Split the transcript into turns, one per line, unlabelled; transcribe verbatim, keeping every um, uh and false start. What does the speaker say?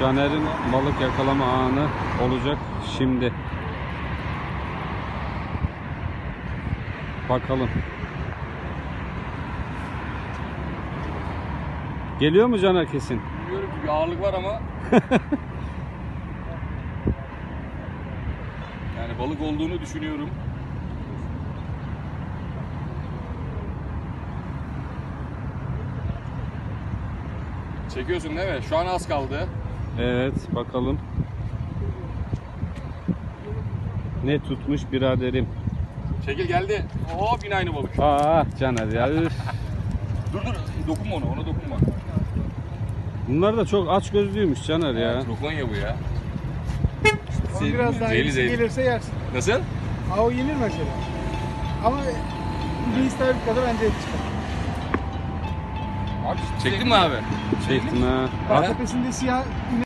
Caner'in balık yakalama anı olacak şimdi. Bakalım. Geliyor mu Caner kesin?
Bilmiyorum ki bir ağırlık var ama. Yani balık olduğunu düşünüyorum. Çekiyorsun değil mi? Şu an az kaldı.
Evet, bakalım. Ne tutmuş biraderim?
Çekil geldi. Oo yine aynı balık.
Aa Caner ya. Üf.
Dur dur dokunma ona, ona dokunma.
Bunlar da çok aç gözlüymüş Caner ya.
Trokonya bu ya.
Ama biraz daha
Zehirli,
iyisi
zehirli.
gelirse yersin.
Nasıl?
Ha o yenir mesela. Ama bir istavrit kadar bence et çıkar.
Abi çektin mi abi?
Çektim ha.
Bak tepesinde siyah